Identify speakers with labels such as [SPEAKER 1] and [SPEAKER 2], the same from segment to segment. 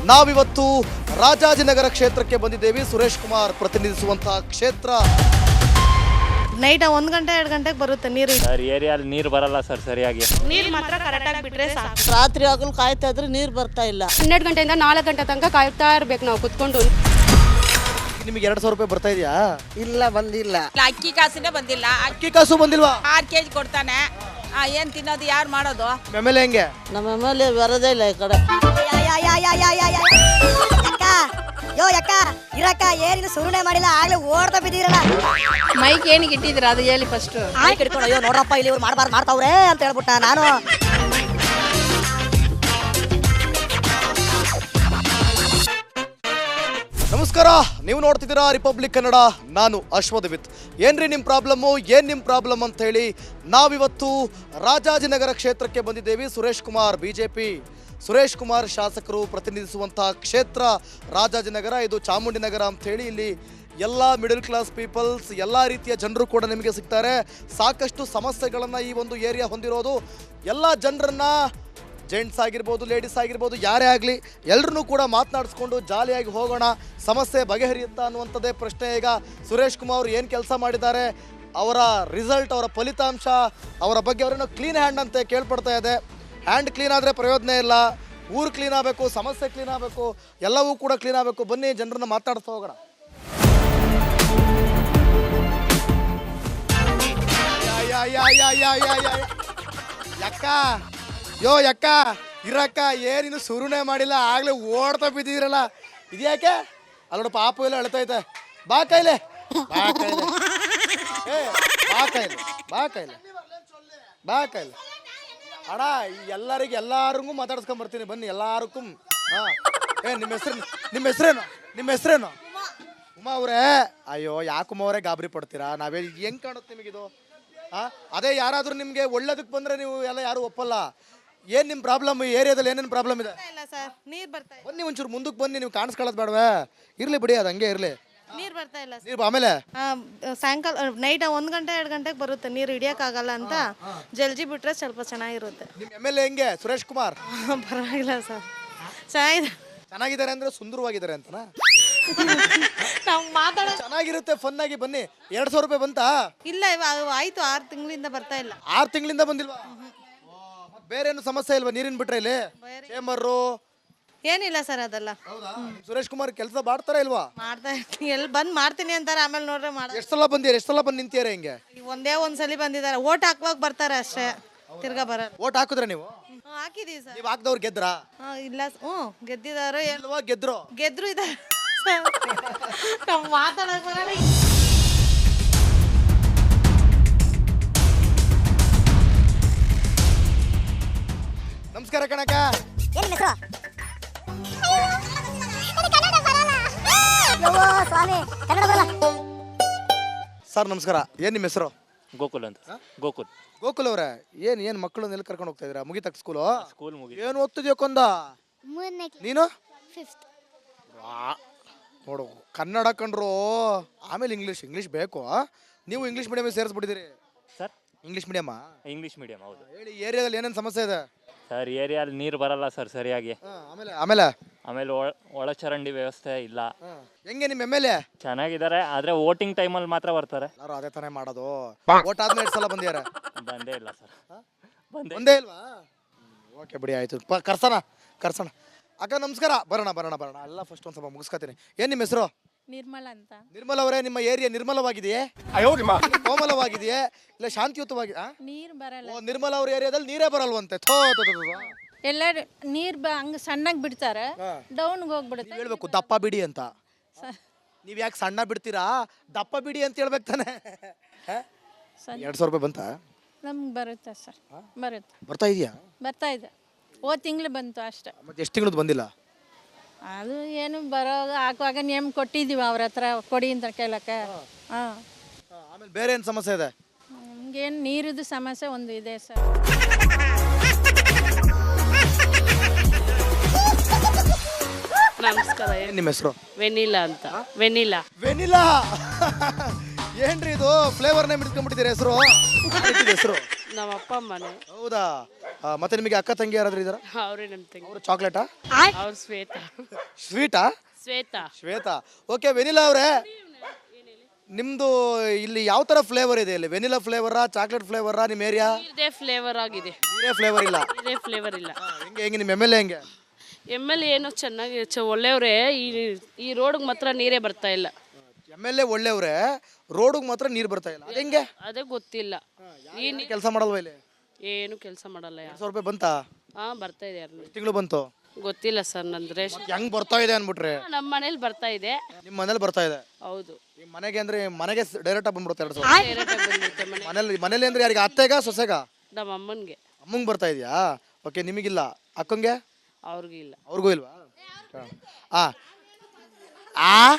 [SPEAKER 1] ನಾವಿವತ್ತು ರಾಜಾಜಿನಗರ ಕ್ಷೇತ್ರಕ್ಕೆ ಬಂದಿದ್ದೇವೆ. ಸುರೇಶ್ ಕುಮಾರ್ ಪ್ರತಿನಿಧಿಸುವಂತಹ ಕ್ಷೇತ್ರ.
[SPEAKER 2] ನೈಟ್ 1 ಗಂಟೆ 2 ಗಂಟೆಗೆ ಬರುತ್ತೆ ನೀರು.
[SPEAKER 3] ಸರ್ ಏರಿಯಲ್ಲಿ ನೀರು ಬರಲ್ಲ ಸರ್ ಸರಿಯಾಗಿ.
[SPEAKER 2] ನೀರು ಮಾತ್ರ ಕರೆಕ್ಟಾಗಿ ಬಿಟ್ರೆ ಸಾಕು.
[SPEAKER 4] ರಾತ್ರಿ ಆಗಲು ಕಾಯ್ತಾ ಇದ್ರೆ ನೀರು ಬರ್ತಾ ಇಲ್ಲ.
[SPEAKER 5] 12 ಗಂಟೆಯಿಂದ 4 ಗಂಟೆ ತನಕ ಕಾಯ್ತಾ ಇರ್ಬೇಕು ನಾವು ಕುತ್ಕೊಂಡು.
[SPEAKER 1] ನಿಮಗೆ 2,000 ರೂಪಾಯಿ ಬರ್ತಾ ಇದೆಯಾ?
[SPEAKER 4] ಇಲ್ಲ, ಬಂದಿಲ್ಲ.
[SPEAKER 6] ಅಕ್ಕಿ ಕಾಸಿನೇ ಬಂದಿಲ್ಲ.
[SPEAKER 1] ಅಕ್ಕಿ ಕಾಸು ಬಂದಿಲ್ವಾ?
[SPEAKER 6] 6 kg ಕೊಡ್ತಾನೆ. ಏನ್ ತಿನ್ನೋದು, ಯಾರು ಮಾಡೋದು?
[SPEAKER 1] ಆಮೇಲೆ ಹೆಂಗೆ?
[SPEAKER 4] ನಮ್ಮ ಮೇಲೆ ಬರೋದೇ ಇಲ್ಲ ಈ ಕಡೆ.
[SPEAKER 7] ಯೋ ಯಕ್ಕ ಇರಕ್ಕ ಏನಿದು ಸುರುಣೆ ಮಾಡಿಲ್ಲ, ಆಗ್ಲೇ ಓಡ್ತಾ ಬಿದ್ದೀರಲ್ಲ.
[SPEAKER 5] ಮೈಕ್ ಏನಿಗೆ ಇಟ್ಟಿದ್ದೀರಾ ಅದು ಹೇಳಿ ಫಸ್ಟ್.
[SPEAKER 7] ಹಿಡ್ಕೊಂಡು ಅಯ್ಯೋ ನೋಡ್ರಪ್ಪ ಇಲ್ಲಿ ಇವ್ರು ಮಾಡಬಾರ್ದು ಮಾಡ್ತಾವ್ರೆ ಅಂತ ಹೇಳ್ಬಿಟ್ಟ ನಾನು.
[SPEAKER 1] ನಮಸ್ಕಾರ, ನೀವು ನೋಡ್ತಿದ್ದೀರಾ ರಿಪಬ್ಲಿಕ್ ಕನ್ನಡ. ನಾನು ಅಶ್ವಥವಿತ್. ಏನ್ರಿ ನಿಮ್ಮ ಪ್ರಾಬ್ಲಮ್ ಅಂತ ಹೇಳಿ ನಾವಿವತ್ತು ರಾಜಾಜಿನಗರ ಕ್ಷೇತ್ರಕ್ಕೆ ಬಂದಿದ್ದೇವೆ. ಸುರೇಶ್ ಕುಮಾರ್ ಬಿಜೆಪಿ, ಸುರೇಶ್ ಕುಮಾರ್ ಶಾಸಕರು ಪ್ರತಿನಿಧಿಸುವಂತಹ ಕ್ಷೇತ್ರ ರಾಜಾಜಿನಗರ. ಇದು ಚಾಮುಂಡಿನಗರ ಅಂತ ಹೇಳಿ ಇಲ್ಲಿ ಎಲ್ಲ ಮಿಡಲ್ ಕ್ಲಾಸ್ ಪೀಪಲ್ಸ್, ಎಲ್ಲ ರೀತಿಯ ಜನರು ಕೂಡ ನಿಮಗೆ ಸಿಗ್ತಾರೆ. ಸಾಕಷ್ಟು ಸಮಸ್ಯೆಗಳನ್ನು ಈ ಒಂದು ಏರಿಯಾ ಹೊಂದಿರೋದು. ಎಲ್ಲ ಜನರನ್ನು, ಜೆಂಟ್ಸ್ ಆಗಿರ್ಬೋದು, ಲೇಡೀಸ್ ಆಗಿರ್ಬೋದು, ಯಾರೇ ಆಗಲಿ ಎಲ್ಲರೂ ಕೂಡ ಮಾತನಾಡಿಸ್ಕೊಂಡು ಜಾಲಿಯಾಗಿ ಹೋಗೋಣ, ಸಮಸ್ಯೆ ಬಗೆಹರಿಯುತ್ತಾ ಅನ್ನುವಂಥದ್ದೇ ಪ್ರಶ್ನೆ. ಈಗ ಸುರೇಶ್ ಕುಮಾರ್ ಅವರು ಏನು ಕೆಲಸ ಮಾಡಿದ್ದಾರೆ, ಅವರ ರಿಸಲ್ಟ್, ಅವರ ಫಲಿತಾಂಶ, ಅವರ ಬಗ್ಗೆ ಅವರೇನೋ ಕ್ಲೀನ್ ಹ್ಯಾಂಡ್ ಅಂತ ಕೇಳ್ಪಡ್ತಾ ಇದೆ. ಹ್ಯಾಂಡ್ ಕ್ಲೀನ್ ಆದರೆ ಪ್ರಯೋಜನ ಇಲ್ಲ, ಊರು ಕ್ಲೀನ್ ಆಗಬೇಕು, ಸಮಸ್ಯೆ ಕ್ಲೀನ್ ಆಗಬೇಕು, ಎಲ್ಲವೂ ಕೂಡ ಕ್ಲೀನ್ ಆಗಬೇಕು. ಬನ್ನಿ ಜನರನ್ನ ಮಾತಾಡ್ತಾ ಹೋಗೋಣ. ಯಕ್ಕ ಯೋ ಯಕ್ಕ ಇರಕ್ಕ ಏನಿನ್ನು ಶುರುನೇ ಮಾಡಿಲ್ಲ, ಆಗ್ಲೇ ಓಡ್ತಾ ಬಿದ್ದಿರಲ್ಲ. ಇದ್ಯಾಕೆ? ಅಲ್ಲೋಡ ಪಾಪು ಎಲ್ಲ ಅಳ್ತೈತೆ. ಬಾ ಕೈಲೆ, ಬಾ ಕೈಲೆ, ಏ ಬಾ ಕೈಲೆ, ಬಾ ಕೈಲೆ, ಬಾ ಕೈಲೆ. ಅಣ್ಣ ಎಲ್ಲರಿಗೂ ಮಾತಾಡ್ಸ್ಕೊಂಬರ್ತೀನಿ, ಬನ್ನಿ ಎಲ್ಲಾರಕ್ಕೂ. ಹಾಂ, ನಿಮ್ಮ ಹೆಸರೇನು? ಉಮಾ ಅವರೇ. ಅಯ್ಯೋ ಯಾಕುಮ್ಮ ಅವರೇ ಗಾಬರಿ ಪಡ್ತೀರಾ? ನಾವೇ ಹೆಂಗೆ ಕಾಣುತ್ತೆ ನಿಮಗಿದು? ಹಾಂ, ಅದೇ ಯಾರಾದರೂ ನಿಮಗೆ ಒಳ್ಳೇದಕ್ಕೆ ಬಂದರೆ ನೀವು ಎಲ್ಲ ಯಾರು ಒಪ್ಪಲ್ಲ. ಏನು ನಿಮ್ಮ ಪ್ರಾಬ್ಲಮ್? ಈ ಏರಿಯಾದಲ್ಲಿ ಏನೇನು ಪ್ರಾಬ್ಲಮ್ ಇದೆ?
[SPEAKER 2] ಇಲ್ಲ ಸರ್, ನೀರು ಬರ್ತಾ ಇಲ್ಲ.
[SPEAKER 1] ಬನ್ನಿ ಒಂಚೂರು ಮುಂದಕ್ಕೆ ಬನ್ನಿ, ನೀವು ಕಾಣಿಸ್ಕೊಳ್ಳೋದು ಬೇಡವೇ? ಇರಲಿ ಬಿಡಿ, ಅದು ಹಂಗೆ ಇರಲಿ.
[SPEAKER 2] ನೀರು ಬರ್ತಾ ಇಲ್ಲ ಸರ್.
[SPEAKER 1] ನೀರು ಆಮೇಲೆ
[SPEAKER 2] ಸಾಯಂಕಾಲ ನೈಟ್ 1 ಗಂಟೆ 2 ಗಂಟೆಗೆ ಬರುತ್ತೆ ನೀರು. ಹಿಡಿಯೋಕ್ಕಾಗಲ್ಲ ಅಂತ ಜಲ್ದಿ ಬಿಟ್ರೆ ಸ್ವಲ್ಪ ಚೆನ್ನಾಗಿರುತ್ತೆ.
[SPEAKER 1] ನಿಮ್ಮ MLA ಹೆಂಗೆ? ಸುರೇಶ್ ಕುಮಾರ್
[SPEAKER 2] ಪರವಾಗಿಲ್ಲ ಸರ್,
[SPEAKER 1] ಚೆನ್ನಾಗಿದ್ದಾರೆ ಅಂದರೆ ಸುಂದರವಾಗಿದ್ದಾರೆ ಅಂತನಾ?
[SPEAKER 2] ನಾವು ಮಾತಾಡೋ
[SPEAKER 1] ಚೆನ್ನಾಗಿರುತ್ತೆ, ಫನ್ ಆಗಿ. ಬನ್ನಿ. 2,000 ರೂಪಾಯಿ ಬಂತಾ?
[SPEAKER 2] ಇಲ್ಲ, ಆಯ್ತು 6 ತಿಂಗಳಿಂದ ಬರ್ತಾ ಇಲ್ಲ.
[SPEAKER 1] 6 ತಿಂಗಳಿಂದ ಬಂದಿಲ್ವಾ? ಮತ್ತೆ ಬೇರೆ ಏನು ಸಮಸ್ಯೆ ಇಲ್ವಾ ನೀರಿನ ಬಿಟ್ರೆ ಇಲ್ಲಿ? ಚೇಂಬರು
[SPEAKER 2] ಏನಿಲ್ಲ ಸರ್ ಅದೆಲ್ಲ.
[SPEAKER 1] ಸುರೇಶ್ ಕುಮಾರ್ ಕೆಲಸ ಮಾಡ್ತಾರ ಇಲ್ವಾ?
[SPEAKER 2] ಮಾಡ್ತಾ ಇರ್ತೀನಿ, ಎಲ್ಲಿ ಬಂದು ಮಾಡ್ತೀನಿ ಅಂತಾರೆ, ಆಮೇಲೆ ನೋಡ್ರೆ ಮಾಡ.
[SPEAKER 1] ಎಷ್ಟು ಸಲ ಬಂದು ನಿಂತಿಯಾರ ಹಿಂಗೆ?
[SPEAKER 2] ಒಂದ್ಸಲಿ ಬಂದಿದ್ದಾರೆ, ಓಟ್ ಹಾಕುವಾಗ ಬರ್ತಾರೆ ಅಷ್ಟೇ, ತಿರ್ಗಾ ಬರಲ್ಲ.
[SPEAKER 1] ಓಟ್ ಹಾಕಿದ್ರೆ ನೀವು?
[SPEAKER 2] ಹಾಕಿದೀವಿ ಸರ್.
[SPEAKER 1] ನೀವು ಹಾಕ್ದವ್ರು ಗೆದ್ರಾ?
[SPEAKER 2] ಇಲ್ಲ, ಗೆದ್ದಿದ್ದಾರೆ.
[SPEAKER 1] ಇಲ್ವಾ? ಗೆದ್ರು
[SPEAKER 2] ಇದ್ದಾರೆ. ನಾವು ಮಾತಾಡಕ್ ಬರಲ್ಲ.
[SPEAKER 1] ನಮಸ್ಕಾರ ಕಣಕ್ಕ. ಸರ್ ನಮಸ್ಕಾರ. ಏನ್ ನಿಮ್ಮ ಹೆಸರು?
[SPEAKER 3] ಗೋಕುಲ್ ಅಂತ.
[SPEAKER 1] ಗೋಕುಲ್ ಅವರೇ, ಏನ್ ಮಕ್ಕಳನ್ನ ಎಲ್ಲಿ ಕರ್ಕೊಂಡು ಹೋಗ್ತಾ ಇದ್ದೀರಾ? ಮುಗಿತಕ್ಕ ಸ್ಕೂಲ್
[SPEAKER 3] ಮುಗಿ.
[SPEAKER 1] ಏನು ಓದ್ತಿದ್ಯೋ ಕೊಂದ? ನೀನು? ನೋಡು, ಕನ್ನಡ ಕಂಡ್ರು, ಆಮೇಲೆ ಇಂಗ್ಲೀಷ್ ಬೇಕು. ನೀವು ಇಂಗ್ಲೀಷ್ ಮೀಡಿಯಮ್ ಸೇರಿಸ್ಬಿಟ್ಟಿದ್ದೀರಿ
[SPEAKER 3] ಸರ್?
[SPEAKER 1] English medium.
[SPEAKER 3] ಹೌದು.
[SPEAKER 1] ಹೇಳಿ, ಏರಿಯಾದಲ್ಲಿ ಏನೇನು ಸಮಸ್ಯೆ ಇದೆ?
[SPEAKER 3] ಸರ್ ಏರಿಯಲ್ಲಿ ನೀರು ಬರಲ್ಲ ಸರ್ ಸರಿಯಾಗಿ.
[SPEAKER 1] ಆಮೇಲೆ
[SPEAKER 3] ಒಳಚರಂಡಿ ವ್ಯವಸ್ಥೆ ಇಲ್ಲ.
[SPEAKER 1] ಹೆಂಗೆ ನಿಮ್ಮ MLA?
[SPEAKER 3] ಚೆನ್ನಾಗಿದ್ದಾರೆ, ಆದ್ರೆ ವೋಟಿಂಗ್ ಟೈಮಲ್ಲಿ ಮಾತ್ರ ಬರ್ತಾರೆ.
[SPEAKER 1] ಎಲ್ಲರೂ ಅದೇ ತಾನೇ ಮಾಡೋದು. ಓಟ್ ಆದ್ಮೇಲೆ 2 ಸಲ ಬಂದಿದ್ದಾರೆ.
[SPEAKER 3] ಬಂದೇ ಇಲ್ಲ ಸರ್.
[SPEAKER 1] ಒಂದೇ ಇಲ್ವಾ? ಓಕೆ ಬಿಡಿ, ಆಯ್ತು. ಕರ್ಸೋಣ. ಅಕ್ಕ ನಮಸ್ಕಾರ. ಬರೋಣ. ಎಲ್ಲ ಫಸ್ಟ್ ಒಂದು ಸ್ವಲ್ಪ ಮುಗಿಸ್ಕೊತೀನಿ. ಏನು ನಿಮ್ಮ ಹೆಸರು?
[SPEAKER 5] ನಿರ್ಮಲ ಅಂತ.
[SPEAKER 1] ನಿರ್ಮಲ ಅವರೇ, ನಿಮ್ಮ ಏರಿಯಾ ನಿರ್ಮಲವಾಗಿದೆಯೇ, ಕೋಮಲವಾಗಿದೆಯೇ, ಇಲ್ಲ ಶಾಂತಿಯುತವಾಗಿದೆ?
[SPEAKER 5] ನೀರು ಬರಲ್ಲ.
[SPEAKER 1] ನಿರ್ಮಲ ಅವ್ರ ಏರಿಯಾದಲ್ಲಿ ನೀರೇ ಬರಲ್ವಂತೆ.
[SPEAKER 5] ಎಲ್ಲ ನೀರು ಹಂಗ ಸಣ್ಣಗೆ ಬಿಡ್ತಾರೆ, ಡೌನ್ಗೆ ಹೋಗ್ಬಿಡುತ್ತೆ.
[SPEAKER 1] ಹೇಳ್ಬೇಕು ದಪ್ಪ ಬಿಡಿ ಅಂತ. ನೀವ್ ಯಾಕೆ ಸಣ್ಣ ಬಿಡ್ತೀರಾ? ದಪ್ಪ ಬಿಡಿ ಅಂತ ಹೇಳ್ಬೇಕು ತಾನೆ. 2,000 ರೂಪಾಯಿ ಬಂತಾ?
[SPEAKER 5] ನಮ್ಗೆ ಬರುತ್ತೆ ಸರ್,
[SPEAKER 1] ಬರ್ತಾ ಇದೆಯಾ?
[SPEAKER 5] ಬರ್ತಾ ಇದೆ. ಹೋದ ತಿಂಗಳು ಬಂತು ಅಷ್ಟೇ.
[SPEAKER 1] ಮತ್ತೆ ಎಷ್ಟು ತಿಂಗಳದ್ದು ಬಂದಿಲ್ಲ?
[SPEAKER 5] ಅದು ಏನು ಹಾಕುವಾಗ ನೇಮ್ ಕೊಟ್ಟಿದ್ದೀವಿ ಅವ್ರ ಹತ್ರ, ಕೊಡಿ ಅಂತ ಕೇಳಕ್ಕೆ.
[SPEAKER 1] ಆಮೇಲೆ ಬೇರೆ ಏನು ಸಮಸ್ಯೆ ಇದೆ?
[SPEAKER 5] ನಮ್ಗೇನು ನೀರಿದ್ದು ಸಮಸ್ಯೆ ಒಂದು ಇದೆ ಸರ್.
[SPEAKER 8] ನಮಸ್ಕಾರ.
[SPEAKER 1] ಏನು ನಿಮ್ಮ ಹೆಸರು?
[SPEAKER 8] ವೆನಿಲಾ ಅಂತ. ವೆನಿಲಾ.
[SPEAKER 1] ಏನ್ರಿ ಇದು ಫ್ಲೇವರ್ ನೇಮ್ ಇಟ್ಕೊಂಡ್ಬಿಟ್ಟಿದ್ದೀರಾ ಹೆಸರು? ಹೆಸರು
[SPEAKER 8] ನಮ್ಮ ಅಪ್ಪ ಅಮ್ಮನೆ.
[SPEAKER 1] ಹೌದಾ? ಮತ್ತೆ ನಿಮಗೆ ಅಕ್ಕ ತಂಗಿ ಯಾರಾದ್ರೂ ಇದಾರ?
[SPEAKER 8] ಅವರೇ ನಮ್ಮ ತಂಗಿ.
[SPEAKER 1] ಅವರು ಚಾಕ್ಲೇಟಾ?
[SPEAKER 8] ಅವ್ರು ಶ್ವೇತಾ.
[SPEAKER 1] ಸ್ವೀಟಾ? ಶ್ವೇತಾ. ಓಕೆ, ವೆನಿಲಾ ಅವರೇ, ನಿಮ್ದು ಇಲ್ಲಿ ಯಾವ ತರ ಫ್ಲೇವರ್ ಇದೆ? ಇಲ್ಲಿ ವೆನಿಲಾ ಫ್ಲೇವರಾ, ಚಾಕ್ಲೇಟ್ ಫ್ಲೇವರಾ ನಿಮ್ಮ ಏರಿಯಾ?
[SPEAKER 8] ಇದೇ ಫ್ಲೇವರ್ ಆಗಿದೆ.
[SPEAKER 1] ಇದೇ ಫ್ಲೇವರ್ ಇಲ್ಲ?
[SPEAKER 8] ಇದೇ ಫ್ಲೇವರ್ ಇಲ್ಲ.
[SPEAKER 1] ಹೆಂಗೆ ನಿಮ್ಮ ಎಮ್ ಎಲ್ ಎ ಹೆಂಗೆ?
[SPEAKER 8] ಎಮ್ ಎಲ್ ಏನೋ ಚೆನ್ನಾಗಿ ಒಳ್ಳೆಯವ್ರೆ. ಈ ರೋಡ್ಗೆ ಮಾತ್ರ ನೀರೇ ಬರ್ತಾ ಇಲ್ಲ.
[SPEAKER 1] ಎಮ್ ಎಲ್ ಎ ಒಳ್ಳೆಯವ್ರೆ, ರೋಡಿಗೆ ಮಾತ್ರ ನೀರು ಬರ್ತಾ ಇಲ್ಲ, ಅದು ಹೆಂಗೆ?
[SPEAKER 8] ಅದೇ ಗೊತ್ತಿಲ್ಲ.
[SPEAKER 1] ಕೆಲಸ ಮಾಡಲ್ವಾ ಇಲ್ಲಿ?
[SPEAKER 8] ಏನು ಕೆಲಸ ಮಾಡಲ್ಲ.
[SPEAKER 1] 200 ರೂಪಾಯಿ ಬಂತಾ?
[SPEAKER 8] ಬರ್ತಾ ಇದೆ.
[SPEAKER 1] ತಿಂಗಳು ಬಂತು?
[SPEAKER 8] ಗೊತ್ತಿಲ್ಲ ಸರ್, ನನ್ನ ರೇಷನ್
[SPEAKER 1] ಹೆಂಗ್ ಬರ್ತಾ ಇದೆ ಅನ್ಬಿಟ್ರೆ?
[SPEAKER 8] ನಮ್ಮ ಮನೇಲಿ ಬರ್ತಾ ಇದೆ.
[SPEAKER 1] ನಿಮ್ಮ ಮನೇಲಿ ಬರ್ತಾ ಇದೆ?
[SPEAKER 8] ಹೌದು.
[SPEAKER 1] ನಿಮ್ಮ ಮನೆಗೆ ಅಂದ್ರೆ ಮನೆಗೆ ಡೈರೆಕ್ಟ್ ಆಗಿ ಬಂದ್ಬಿಡುತ್ತೆ 200?
[SPEAKER 8] ಡೈರೆಕ್ಟ್ ಆಗಿ ಬಂದ್ಬಿಡುತ್ತೆ ಮನೆ.
[SPEAKER 1] ಮನೇಲಿ ಅಂದ್ರೆ ಯಾರಿಗೆ, ಅತ್ತೆಗ ಸೊಸೆಗ?
[SPEAKER 8] ನಮ್ಮ ಅಮ್ಮನಿಗೆ.
[SPEAKER 1] ಅಮ್ಮಂಗೆ ಬರ್ತಾ ಇದೆಯಾ? ಓಕೆ, ನಿಮಗಿಲ್ಲ? ಅಕ್ಕಂಗೆ?
[SPEAKER 8] ಅವ್ರಿಗೂ ಇಲ್ಲ.
[SPEAKER 1] ಅವ್ರಿಗೂ ಇಲ್ವಾ? ಆ ಆ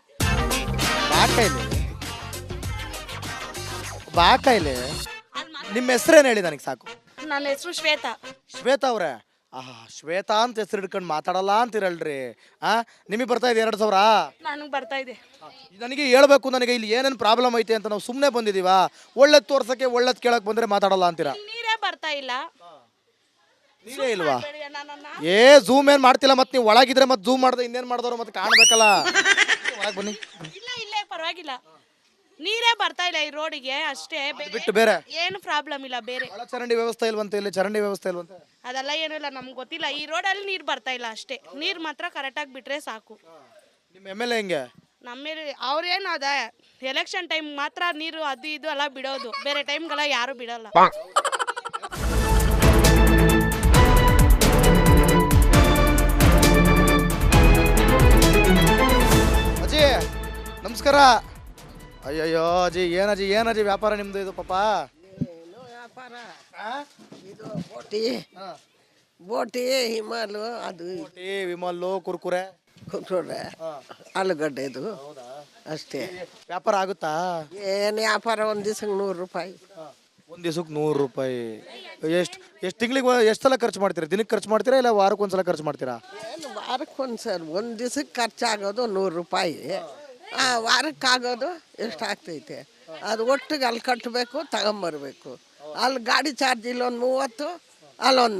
[SPEAKER 1] ಬಾ ಕೈಲಿ ನಿಮ್ಮ ಹೆಸರೇನು ಹೇಳಿ ನನಗೆ ಸಾಕು.
[SPEAKER 2] ನನ್ನ ಹೆಸರು ಶ್ವೇತಾ.
[SPEAKER 1] ಶ್ವೇತಾ ಅವ್ರೆ? ಶ್ವೇತಾ ಅಂತ ಹೆಸರು ಹಿಡ್ಕೊಂಡು ಮಾತಾಡಲ್ಲ ಅಂತಿರಲ್ರಿ. ನಿಮಗೆ ಬರ್ತಾ ಇದೆ 2,000?
[SPEAKER 2] ನನಗೆ ಬರ್ತಾ ಇದೆ.
[SPEAKER 1] ನನಗೆ ಹೇಳ್ಬೇಕು, ನನಗೆ ಇಲ್ಲಿ ಏನೇನು ಪ್ರಾಬ್ಲಮ್ ಐತೆ ಅಂತ. ನಾವು ಸುಮ್ಮನೆ ಬಂದಿದ್ದೀವಾ? ಒಳ್ಳೇದು ತೋರ್ಸಕ್ಕೆ, ಒಳ್ಳೇದು ಕೇಳಕ್ ಬಂದ್ರೆ ಮಾತಾಡಲ್ಲ ಅಂತೀರಾ?
[SPEAKER 2] ನೀರೇ ಬರ್ತಾ ಇಲ್ಲ.
[SPEAKER 1] ನೀರೇ ಇಲ್ವಾ? ಝೂಮ್ ಏನ್ ಮಾಡ್ತಿಲ್ಲ, ಮತ್ತೆ ನೀವು ಒಳಗಿದ್ರೆ ಮತ್ತೆ ಝೂಮ್ ಮಾಡ್ದೆ ಇನ್ನೇನ್ ಮಾಡಿದವ್ರು ಮತ್ತೆ ಕಾಣ್ಬೇಕಲ್ಲ. ಒಳಗೆ ಬನ್ನಿ.
[SPEAKER 2] ಇಲ್ಲೇ ಪರವಾಗಿಲ್ಲ, ನೀರೇ ಬರ್ತಾ ಇಲ್ಲ ಈ ರೋಡಿಗೆ ಅಷ್ಟೇ.
[SPEAKER 1] ಬಿಟ್ಟು ಬೇರೆ
[SPEAKER 2] ಏನು ಪ್ರಾಬ್ಲಮ್ ಇಲ್ಲ. ಬೇರೆ
[SPEAKER 1] ಚರಂಡಿ ವ್ಯವಸ್ಥೆ ಇಲ್ವಂತೆ? ಇಲ್ಲಿ ಚರಂಡಿ ವ್ಯವಸ್ಥೆ ಇಲ್ವಂತೆ?
[SPEAKER 2] ಅದೆಲ್ಲ ಏನೂ ಇಲ್ಲ, ನಮ್ಗೆ ಗೊತ್ತಿಲ್ಲ. ಈ ರೋಡಲ್ಲಿ ನೀರು ಬರ್ತಾ ಇಲ್ಲ ಅಷ್ಟೇ. ನೀರು ಮಾತ್ರ ಕರೆಕ್ಟಾಗಿ ಬಿಟ್ರೆ ಸಾಕು.
[SPEAKER 1] ನಿಮ್ಮ ಎಮ್ ಎಲ್ ಎ ಹೆಂಗೆ?
[SPEAKER 2] ನಮ್ಮೇಲೆ ಅವ್ರೇನು ಅದ, ಎಲೆಕ್ಷನ್ ಟೈಮ್ ಮಾತ್ರ ನೀರು ಅದು ಇದು ಎಲ್ಲ ಬಿಡೋದು, ಬೇರೆ ಟೈಮ್ಗೆಲ್ಲ ಯಾರು ಬಿಡಲ್ಲ.
[SPEAKER 1] ಅಜ್ಜಿ ನಮಸ್ಕಾರ. ಅಯ್ಯಯ್ಯೋ ಅಜ್ಜಿ, ಏನಜ್ಜಿ ವ್ಯಾಪಾರ ನಿಮ್ದು ಇದು? ಪಾಪ
[SPEAKER 4] ಏನು ವ್ಯಾಪಾರ ಇದು? ಬೋಟಿ ಹಿಮಾಲು, ಅದು
[SPEAKER 1] ವಿಮಲ್ಲು, ಕುರ್ಕುರೆ,
[SPEAKER 4] ಆಲೂಗಡ್ಡೆದು ಅಷ್ಟೇ.
[SPEAKER 1] ವ್ಯಾಪಾರ ಆಗುತ್ತಾ?
[SPEAKER 4] ಏನು ವ್ಯಾಪಾರ? ಒಂದು ದಿವ್ಸಕ್ಕೆ 100 ರೂಪಾಯಿ.
[SPEAKER 1] ಒಂದು ದಿವ್ಸಕ್ಕೆ 100 ರೂಪಾಯಿ? ಎಷ್ಟು ತಿಂಗಳಿಗೆ ಎಷ್ಟು ಸಲ ಖರ್ಚು ಮಾಡ್ತೀರಾ? ದಿನಕ್ಕೆ ಖರ್ಚು ಮಾಡ್ತೀರಾ ಇಲ್ಲ ವಾರಕ್ಕೊಂದ್ಸಲ ಖರ್ಚು ಮಾಡ್ತೀರಾ?
[SPEAKER 4] ಏನು ವಾರಕ್ಕೊಂದ್ಸಲ? ಒಂದು ದಿವ್ಸಕ್ಕೆ ಖರ್ಚಾಗೋದು 100 ರೂಪಾಯಿ. ವಾರಕ್ಕಾಗೋದು ಎಷ್ಟಾಗ್ತೈತೆ ಅದು ಒಟ್ಟಿಗೆ ಅಲ್ಲಿ ಕಟ್ಟಬೇಕು, ತಗೊಂಬರ್ಬೇಕು. ಅಲ್ಲಿ ಗಾಡಿ ಚಾರ್ಜ್ ಇಲ್ಲೊಂದು 30, ಅಲ್ಲೊಂದು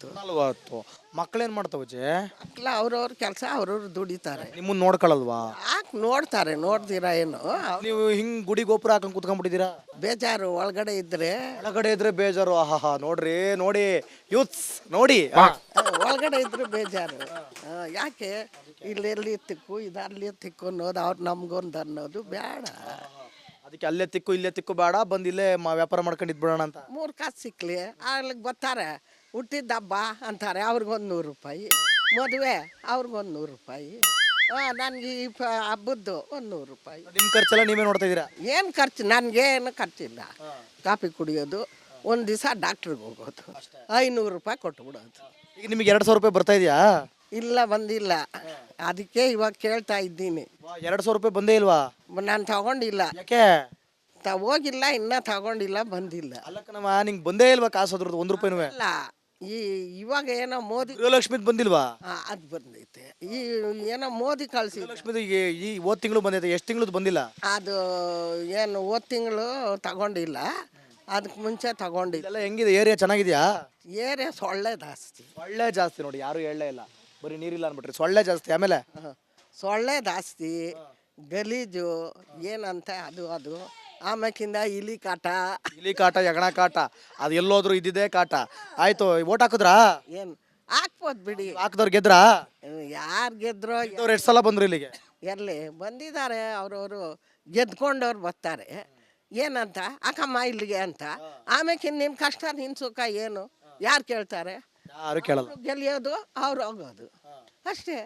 [SPEAKER 4] 40.
[SPEAKER 1] ಮಕ್ಳೇನ್ ಮಾಡ್ತಾವಜ್ಜಿ?
[SPEAKER 4] ಮಕ್ಳು ಅವ್ರವ್ರ ಕೆಲಸ ಅವ್ರವ್ರು ದುಡಿತಾರೆ.
[SPEAKER 1] ನಿಮ್ಮನ್ನ ನೋಡ್ಕೊಳಲ್ವಾ?
[SPEAKER 4] ಯಾಕೆ ನೋಡ್ತಾರೆ, ನೋಡ್ದಿರಾ ಏನು?
[SPEAKER 1] ನೀವು ಹಿಂಗ್ ಗುಡಿ ಗೋಪುರ ಹಾಕೊಂಡ್ ಕುತ್ಕೊಂಡ್ಬಿಟ್ಟಿದ್ದೀರಾ?
[SPEAKER 4] ಬೇಜಾರು ಒಳಗಡೆ ಇದ್ರೆ.
[SPEAKER 1] ಒಳಗಡೆ ಇದ್ರೆ ಬೇಜಾರು? ನೋಡಿ ಯೂತ್ಸ್ ನೋಡಿ,
[SPEAKER 4] ಒಳಗಡೆ ಇದ್ರೆ ಬೇಜಾರು. ಯಾಕೆ ಇಲ್ಲೆಲ್ಲಿ ತಿಕ್ಕು ಇದರಲ್ಲಿ ತಿಕ್ಕು ಅನ್ನೋದು, ಅವ್ರು ನಮ್ಗೊಂದು ಅನ್ನೋದು ಬೇಡ.
[SPEAKER 1] ಅದಕ್ಕೆ ಅಲ್ಲೇ ತಿಕ್ಕು ಇಲ್ಲೇ ತಿಕ್ಕು ಬೇಡ, ಬಂದು ಇಲ್ಲೇ ವ್ಯಾಪಾರ ಮಾಡ್ಕೊಂಡು ಇದ್ಬಿಡೋಣ ಅಂತ.
[SPEAKER 4] 3 ಕಾಸು ಸಿಕ್ಲಿ ಆಗ್ಲಿಕ್ಕೆ ಬರ್ತಾರೆ. ಹುಟ್ಟಿದ ಹಬ್ಬ ಅಂತಾರೆ, ಅವ್ರಿಗೊಂದು 100 ರೂಪಾಯಿ. ಮದುವೆ ಅವ್ರಿಗೊಂದು 100 ರೂಪಾಯಿ. ನನಗೆ ಈ ಹಬ್ಬದ್ದು ಒಂದು 100 ರೂಪಾಯಿ.
[SPEAKER 1] ನಿಮ್ಮ ಖರ್ಚೆಲ್ಲ ನೀವೇ ನೋಡ್ತಾ ಇದ್ದೀರಾ?
[SPEAKER 4] ಏನು ಖರ್ಚು? ನನಗೇನು ಖರ್ಚಿಲ್ಲ. ಕಾಫಿ ಕುಡಿಯೋದು, ಒಂದು ದಿವಸ ಡಾಕ್ಟ್ರಿಗೆ ಹೋಗೋದು, 500 ರೂಪಾಯಿ ಕೊಟ್ಬಿಡೋದು.
[SPEAKER 1] ಈಗ ನಿಮಗೆ 2,000 ರೂಪಾಯಿ ಬರ್ತಾ ಇದೆಯಾ?
[SPEAKER 4] ಇಲ್ಲ, ಬಂದಿಲ್ಲ. ಅದಕ್ಕೆ ಇವಾಗ ಕೇಳ್ತಾ ಇದ್ದೀನಿ.
[SPEAKER 1] 2,000 ರೂಪಾಯಿ ಬಂದೇ ಇಲ್ವಾ?
[SPEAKER 4] ನಾನು ತಗೊಂಡಿಲ್ಲ.
[SPEAKER 1] ಯಾಕೆ?
[SPEAKER 4] ಹೋಗಿಲ್ಲ, ಇನ್ನೂ ತಗೊಂಡಿಲ್ಲ, ಬಂದಿಲ್ಲ.
[SPEAKER 1] ಅಲ್ಲಕ್ಕನಮ್ಮ, ನಿಂಗೆ ಬಂದೇ ಇಲ್ವಾ ಕಾಸು ಅದ್ರದ್ದು 1 ರೂಪಾಯಿನೂ?
[SPEAKER 4] ಅಲ್ಲ, ಇವಾಗ ಏನೋ ಮೋದಿ
[SPEAKER 1] ಗೃಹಲಕ್ಷ್ಮಿದ್ ಬಂದಿಲ್ವಾ?
[SPEAKER 4] ಅದು ಬಂದೈತೆ. ಏನೋ ಮೋದಿ ಕಳಿಸಿ
[SPEAKER 1] ಗೃಹಲಕ್ಷ್ಮಿದು ಈ ಹೋದ ತಿಂಗಳು ಬಂದೈತೆ. ಎಷ್ಟು ತಿಂಗಳದ್ದು ಬಂದಿಲ್ಲ?
[SPEAKER 4] ಅದು ಏನು ಹೋದ ತಿಂಗಳು ತಗೊಂಡಿಲ್ಲ, ಅದಕ್ಕೆ ಮುಂಚೆ ತಗೊಂಡಿಲ್ಲ.
[SPEAKER 1] ಇದೆಲ್ಲ ಹೆಂಗಿದೆ ಏರಿಯಾ? ಚೆನ್ನಾಗಿದೆಯಾ?
[SPEAKER 4] ಏರಿಯಾ ಸೊಳ್ಳೆ ಜಾಸ್ತಿ.
[SPEAKER 1] ಸೊಳ್ಳೆ ಜಾಸ್ತಿ ನೋಡಿ, ಯಾರು ಹೇಳಲೇ ಇಲ್ಲ, ಬರೀ ನೀರಿಲ್ಲ ಅನ್ಬಿಟ್ರಿ. ಸೊಳ್ಳೆ ಜಾಸ್ತಿ. ಆಮೇಲೆ
[SPEAKER 4] ಸೊಳ್ಳೆ ಜಾಸ್ತಿ, ಗಲೀಜು ಏನಂತ ಅದು ಆಮೇಕಿಂದ ಇಲಿ ಕಾಟ,
[SPEAKER 1] ಯಗಣ ಕಾಟ, ಅದು ಎಲ್ಲೋದ್ರು ಇದ್ದಿದ್ದೇ ಕಾಟ. ಆಯ್ತು, ಓಟ್ ಹಾಕಿದ್ರಾ?
[SPEAKER 4] ಏನು ಹಾಕ್ಬೋದು ಬಿಡಿ.
[SPEAKER 1] ಹಾಕಿದವ್ರು ಗೆದ್ರಾ?
[SPEAKER 4] ಯಾರು ಗೆದ್ರೋ?
[SPEAKER 1] ಎಷ್ಟು ಸಲ ಬಂದ್ರು ಇಲ್ಲಿಗೆ?
[SPEAKER 4] ಎಲ್ಲಿ ಬಂದಿದ್ದಾರೆ, ಅವ್ರವರು ಗೆದ್ಕೊಂಡವ್ರು ಬರ್ತಾರೆ. ಏನಂತ ಅಕ್ಕಮ್ಮ ಇಲ್ಲಿಗೆ ಅಂತ. ಆಮೇಲೆ ನಿನ್ನ ಕಷ್ಟ ನಿನ್ನ ಸುಖ ಏನು ಯಾರು ಕೇಳ್ತಾರೆ?
[SPEAKER 1] ಯಾರು ಕೇಳಲ್ಲ.
[SPEAKER 4] ಗೆಲ್ಲಿಯೋದು, ಅವ್ರು ಹೋಗೋದು ಅಷ್ಟೇ.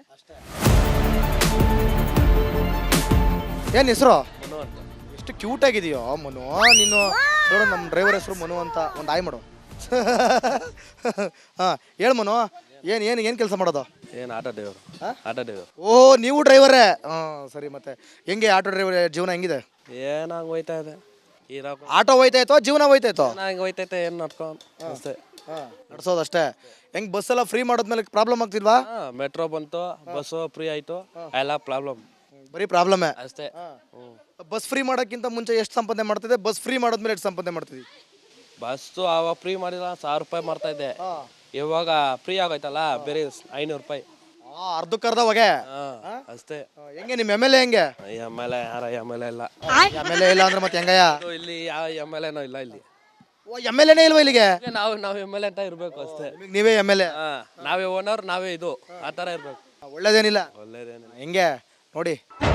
[SPEAKER 1] ಏನು ಹೆಸರು? ಎಷ್ಟು ಕ್ಯೂಟ್ ಆಗಿದೆಯೋ ಮನು. ನೀನು ನೋಡು, ನಮ್ಮ ಡ್ರೈವರ್ ಹೆಸರು ಮನು ಅಂತ. ಒಂದು ಆಯ್ ಮಾಡು. ಹಾಂ, ಹೇಳು ಮನು, ಏನು ಕೆಲಸ ಮಾಡೋದು?
[SPEAKER 9] ಏನು ಆಟೋ ಡ್ರೈವರ್.
[SPEAKER 1] ಓ, ನೀವು ಡ್ರೈವರೇ? ಹಾಂ, ಸರಿ. ಮತ್ತೆ ಹೆಂಗೆ ಆಟೋ ಡ್ರೈವರ್ ಜೀವನ ಹೆಂಗಿದೆ?
[SPEAKER 9] ಏನಾಗ ಹೋಯ್ತಾ ಇದೆ.
[SPEAKER 1] ಆಟೋ ಹೋಯ್ತಾಯ್ತೋ, ಜೀವನ ಹೋಯ್ತಾಯ್ತೋ?
[SPEAKER 9] ಹಂಗೆ ಹೋಯ್ತೈತೆ, ಏನು ನಡ್ಕೊಂಡು ಅಷ್ಟೇ.
[SPEAKER 1] ನಡ್ಸೋದು ಅಷ್ಟೇ. ಹೆಂಗೆ ಬಸ್ ಎಲ್ಲ ಫ್ರೀ ಮಾಡೋದ್ಮೇಲೆ ಪ್ರಾಬ್ಲಮ್ ಆಗ್ತಿಲ್ವಾ?
[SPEAKER 9] ಮೆಟ್ರೋ ಬಂತು, ಬಸ್ಸು ಫ್ರೀ ಆಯಿತು, ಎಲ್ಲ ಪ್ರಾಬ್ಲಮ್.
[SPEAKER 1] ಬರೀ ಪ್ರಾಬ್ಲಮ್ಮೇ
[SPEAKER 9] ಅಷ್ಟೇ.
[SPEAKER 1] ಬಸ್ ಫ್ರೀ ಮಾಡೋಕ್ಕಿಂತ ಮುಂಚೆ ಎಷ್ಟು ಸಂಪಾದನೆ ಮಾಡ್ತಿದ್ದೆ? ಬಸ್ ಫ್ರೀ ಮಾಡೋದ್ಮೇಲೆ ಎಷ್ಟು ಸಂಪಾದನೆ ಮಾಡ್ತಿದ್ವಿ?
[SPEAKER 9] ಬಸ್ಸು ಅವಾಗ ಫ್ರೀ ಮಾಡಿಲ್ಲ 1000 ರೂಪಾಯಿ ಮಾಡ್ತಾ ಇದ್ದೆ. ಇವಾಗ ಫ್ರೀ ಆಗೋಯ್ತಲ್ಲ ಬೇರೆ 500 ರೂಪಾಯಿ.
[SPEAKER 1] ಅರ್ಧಕ್ಕರ್ಧ ಹೊಗೆ.
[SPEAKER 9] ಅಷ್ಟೇ.
[SPEAKER 1] ಹೆಂಗೆ ನಿಮ್ಮ ಎಮ್ ಎಲ್ ಎ ಹೆಂಗೆ?
[SPEAKER 9] ಎಮ್ ಎಲ್ ಎ ಯಾರ ಎಮ್ ಎಲ್ ಎ ಇಲ್ಲ.
[SPEAKER 1] ಎಮ್ ಎಲ್ ಎ ಇಲ್ಲ ಅಂದ್ರೆ ಮತ್ತೆ ಹೆಂಗಯ್ಯ?
[SPEAKER 9] ಇಲ್ಲಿ ಯಾವ ಎಮ್ ಎಲ್ ಎನೂ ಇಲ್ಲ ಇಲ್ಲಿ.
[SPEAKER 1] ಎಮ್ ಎಲ್ ಎನೇ ಇಲ್ವಾ ಇಲ್ಲಿಗೆ?
[SPEAKER 9] ನಾವು ಎಮ್ ಎಲ್ ಎ ಅಂತ ಇರ್ಬೇಕು ಅಷ್ಟೇ.
[SPEAKER 1] ನೀವೇ ಎಮ್ ಎಲ್ ಎ?
[SPEAKER 9] ನಾವೇ ಓನರ್, ನಾವೇ ಇದು, ಆ ಥರ ಇರ್ಬೇಕು.
[SPEAKER 1] ಒಳ್ಳೇದೇನಿಲ್ಲ.
[SPEAKER 9] ಒಳ್ಳೇದೇನಿಲ್ಲ.
[SPEAKER 1] ಹೆಂಗೆ ನೋಡಿ